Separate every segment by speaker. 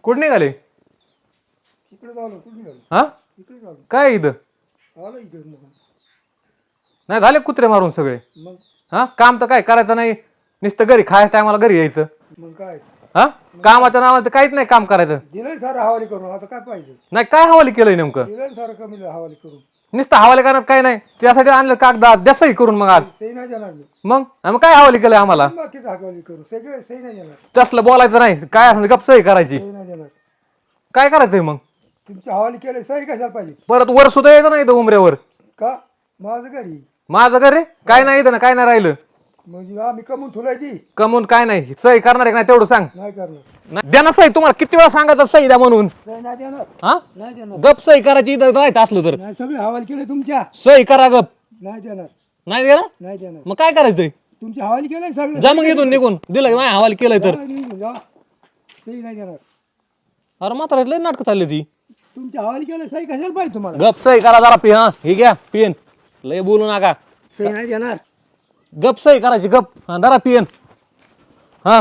Speaker 1: कुठे निघाले?
Speaker 2: इकडे झालं कुठे झालं
Speaker 1: हा
Speaker 2: इकडे झालं
Speaker 1: काय इथं?
Speaker 2: आलं इकडे मग
Speaker 1: नाही झाले कुत्रे मारून सगळे?
Speaker 2: मग
Speaker 1: हा काम तर काय करायचं नाही, नुसतं घरी खायच्या टायमाला घरी यायचं.
Speaker 2: मग काय
Speaker 1: हा कामाच्या नावानं तर काहीच नाही काम करायचं.
Speaker 2: दिलंय सारं हवाली करून आता काय पाहिजे
Speaker 1: नाही काय हवाली केलंय नेमकं?
Speaker 2: दिलंय सारं कमी हवाली करून
Speaker 1: नुसतं हवाली करण्यात काय नाही, त्यासाठी आणलं कागदात द्या सही करून. मग आज
Speaker 2: सही नाही देणार मी
Speaker 1: मग काय हवाली केलंय आम्हाला?
Speaker 2: बाकीच हवाली करू सगळे सही नाही देणार
Speaker 1: तसलं बोलायचं नाही, काय असं गप सही करायची.
Speaker 2: सही नाही देणार
Speaker 1: काय करायचंय मग?
Speaker 2: तुमची हवाली केले सही कशाला पाहिजे
Speaker 1: परत वर सुद्धा यायचं नाही इथं उमऱ्यावर.
Speaker 2: का माझं घरी
Speaker 1: माझं घर रे काय नाही इथं ना, काय नाही राहिलं.
Speaker 2: म्हणजे आम्ही कमवून ठुलायची
Speaker 1: कमवून काय नाही, सही करणार आहे का नाही तेवढं सांग.
Speaker 2: नाही करणार
Speaker 1: नाही, द्या ना सही. तुम्हाला किती वेळा सांगायचं सही द्या म्हणून?
Speaker 2: सही नाही देणार
Speaker 1: हा
Speaker 2: नाही देणार
Speaker 1: गप सही करायची इथं राहायचं असलं तर.
Speaker 2: नाही सगळे हवाली केले तुमच्या
Speaker 1: सही करा गप.
Speaker 2: नाही देणार
Speaker 1: नाही द्या ना,
Speaker 2: नाही देणार
Speaker 1: मग काय करायचंय?
Speaker 2: तुमची हवाली केलंय सगळं
Speaker 1: जा मग इथून निघून. दिलं की नाही हवाल केलंय तर.
Speaker 2: जा. सही नाही देणार
Speaker 1: अरे म्हातारा लय नाटकं चालली ती.
Speaker 2: तुमच्या हवाली केलं सही कशाला पाहिजे तुम्हाला
Speaker 1: गप सही करा जरा. पी हा हे घ्या पिन, लय बोलू नका.
Speaker 2: सही नाही देणार
Speaker 1: गप सही करायची गप. हा धरा पिन. हा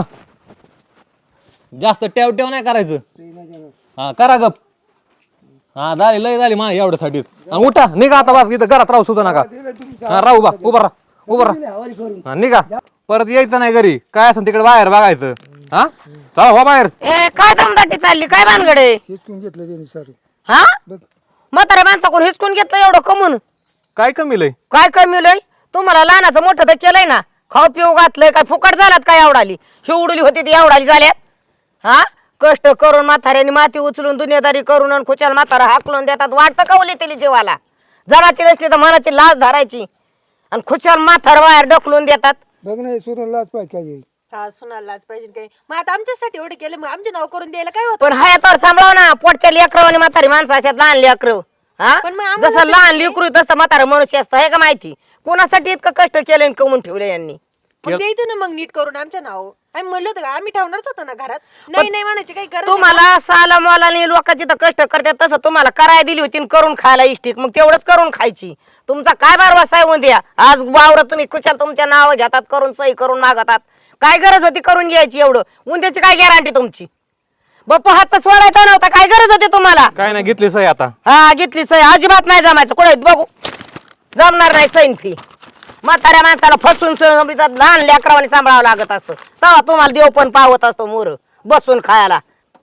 Speaker 1: जास्त टेव टेव नाही करायचं.
Speaker 2: सही नाही देणार
Speaker 1: हा करा गप. हा झाली लय झाली मा एवढ्यासाठी. उठा निघा आता बस, इथं घरात राहू सुद्धा नका.
Speaker 2: दिलंय तुमच्या
Speaker 1: हा राहू बा, उभा राहा उभा राहा.
Speaker 2: दिलंय हवाली करून
Speaker 1: हा निघा, परत यायचं नाही घरी. काय असं तिकडे बाहेर बघायचं. हा चला हो बाहेर.
Speaker 3: ए काय दमदाटी चालली, काय भानगडे?
Speaker 2: हिसकून घेतलं त्यांनी सर
Speaker 3: हा
Speaker 2: बघ
Speaker 3: म्हाताऱ्या माणसाकडून हिसकून घेतलं एवढं कमून?
Speaker 1: काय कमी लय?
Speaker 3: काय कमी लय? तुम्हाला लहानाचं मोठं तर केलंय ना, खाऊ पिऊ घातलंय. काय फुकट झालात काय? एवढाली शिवडली होती ती एवढाली झाल्यात. हा कष्ट करून म्हाताऱ्याने माती उचलून दुनियादारी करून आणि खुशाल म्हातारा हाकलून देतात. वाटतं का उली तिली जीवाला? जराची नसली तर मनाची लाज धरायची आणि खुशाल म्हातार बाहेर ढकलून देतात.
Speaker 2: बघ नाही सोडून लाच पाहिजे काय
Speaker 4: हा सुनायलाच पाहिजे काही. मग आता आमच्यासाठी एवढे केले, मग आमचे नाव करून द्यायला काय होत?
Speaker 3: पण हयातवर सांभाळव ना. पोटच्या लेकरं आणि म्हातारी माणसं असतात, लहान लेकरं. हा
Speaker 4: पण मग आम्हाला
Speaker 3: जसं लहान लेकरू तसं म्हातारं मनुष्य असतं, हे का माहिती? कोणासाठी इतकं कष्ट केलं आणि कमवून ठेवलं यांनी?
Speaker 4: मग द्यायचं ना मग नीट करून आमच्या नाव. आम्ही म्हणलं होतं का आम्ही ठेवणारच होतो ना घरात. नाही नाही म्हणायची काही गरज नाही.
Speaker 3: तुम्हाला साला मोलाने लोकांची तर कष्ट करतात, तसं तुम्हाला करायला दिली होती आणि करून खायला इष्टिक, मग तेवढंच करून खायची. तुमचा काय बारवासा आहे उद्या? आज वावर तुम्ही कुशाल तुमच्या नाव घेतात, करून सही करून मागतात. काय गरज होती करून घ्यायची एवढं? उद्याची काय गॅरंटी तुमची? बाप्पा हातचा सोडायचा नव्हता, काय गरज होती तुम्हाला?
Speaker 1: काय नाही घेतली सही आता.
Speaker 3: हा घेतली सही, अजिबात नाही जमायचं. कुठे बघू जमणार नाही सैन फी. म्हाताऱ्या माणसाला फसून लहान लेकरावाने सांभाळावं लागत असतं, तेव्हा तुम्हाला देव पण पावत असतो मोर बसून खायला.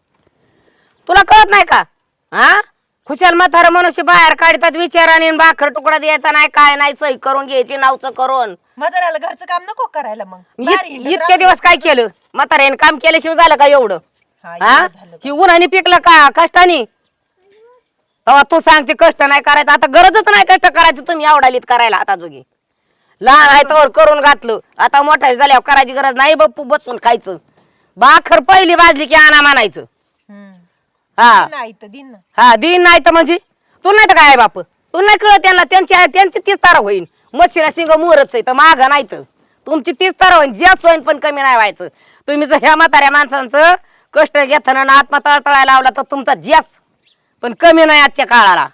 Speaker 3: तुला कळत नाही का? हा खुशाल म्हातारा मनुष्य बाहेर काढतात विचाराने, भाकर तुकडा द्यायचा नाही, काय नाही, सही करून घ्यायची नावचं करून.
Speaker 4: म्हाताऱ्याला घरचं काम नको करायला. मग बाहेर हिंडत
Speaker 3: इतके दिवस काय केलं? म्हाताऱ्याने काम केल्याशिवाय झालं का एवढं?
Speaker 4: हा,
Speaker 3: हा
Speaker 4: एवढं झालं.
Speaker 3: ही उन्हाने पिकलं का कष्टाने? तेव्हा तू सांगते कष्ट नाही करायचं. आता गरजच नाही कष्ट करायची, तुम्ही आवडालीत करायला. आता जोगी लहान आहे तर करून घातलं, आता मोठा झाल्यावर करायची गरज नाही. बाप्पू बसून खायचं. भाकर पहिली वाजली की आणा म्हणायचं.
Speaker 4: हम्म.
Speaker 3: हा
Speaker 4: नाही तर दिन ना.
Speaker 3: हा दिन नाही तर म्हणजे तुला नाही तर काय बाप? तुला नाही कळत त्यांना? त्यांची 30 तारा होईल. मच्छीला शिंग मोरच आहे तर माग नाही तर तुमची 30 तारा होईल. जास्त होईल पण कमी नाही व्हायचं. तुम्ही जर ह्या म्हाताऱ्या माणसांचं कष्ट घेताना ना आत्मा तळतळायला लावला तर तुमचा जास्त पण कमी नाही आजच्या काळाला.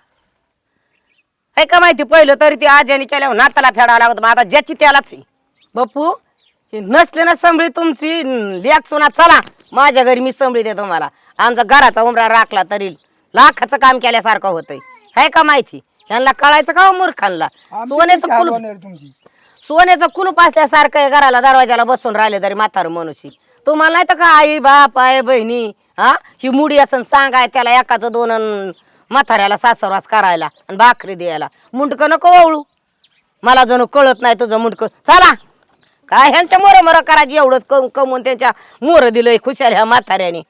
Speaker 3: हे का माहिती? पहिलं तरी ती आज्याने केल्यावर नाताला फेडावं लागत, मग आता ज्याची त्यालाच आहे. बापू हे नसले ना संभळी तुमची लेक सुना, चला माझ्या घरी मी संभळी दे तुम्हाला. आमचा घराचा उमरा राखला तरी लाखाचं काम केल्यासारखं होतंय. हे का माहिती? यांना कळायचं का मूर्खांना? सोन्याचं कुलूप
Speaker 2: तुमची
Speaker 3: सोन्याचं कुलूप असल्यासारखं आहे घराला, दरवाजाला बसून राहिले तरी म्हातारं मनुष्य. तुम्हाला नाही तर का आई बाप आहे बहिणी? हा ही मुडी असं सांगाय त्याला एकाचं दोन म्हाताऱ्याला सासरवास करायला आणि भाकरी द्यायला. मुंडकं नको वळू. मला जणू कळत नाही तुझं मुंडकं. चला काय ह्यांच्या मोर मोर करायची एवढंच करून कमवून त्यांच्या मोर दिलंय खुशाल ह्या म्हाताऱ्याने.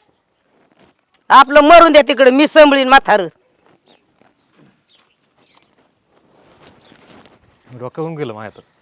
Speaker 3: आपलं मरून द्या तिकडे, मी संभळीन म्हातार.
Speaker 1: डोक्यावरून गेलं माझ्या तर.